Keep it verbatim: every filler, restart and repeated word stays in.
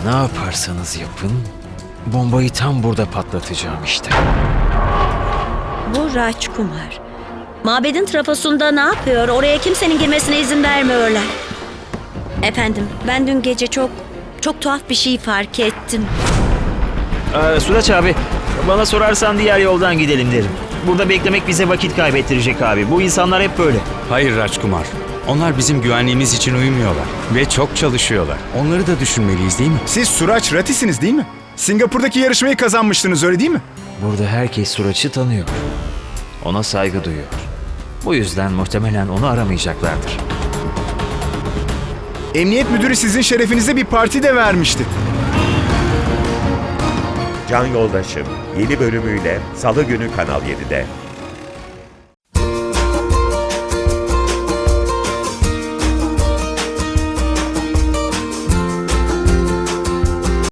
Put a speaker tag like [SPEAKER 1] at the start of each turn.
[SPEAKER 1] Ne yaparsanız yapın, bombayı tam burada patlatacağım işte.
[SPEAKER 2] Bu Rajkumar. Mabedin trafosunda ne yapıyor? Oraya kimsenin girmesine izin vermiyorlar. Efendim, ben dün gece çok, çok tuhaf bir şey fark ettim.
[SPEAKER 1] Ee, Suraç abi, bana sorarsan diğer yoldan gidelim derim. Burada beklemek bize vakit kaybettirecek abi. Bu insanlar hep böyle.
[SPEAKER 3] Hayır Rajkumar. Onlar bizim güvenliğimiz için uyumuyorlar ve çok çalışıyorlar. Onları da düşünmeliyiz değil mi?
[SPEAKER 4] Siz Suraç Rati'siniz değil mi? Singapur'daki yarışmayı kazanmıştınız öyle değil mi?
[SPEAKER 1] Burada herkes Suraç'ı tanıyor. Ona saygı duyuyor. Bu yüzden muhtemelen onu aramayacaklardır.
[SPEAKER 4] Emniyet müdürü sizin şerefinize bir parti de vermişti.
[SPEAKER 5] Can Yoldaşım yeni bölümüyle Salı günü Kanal yedide.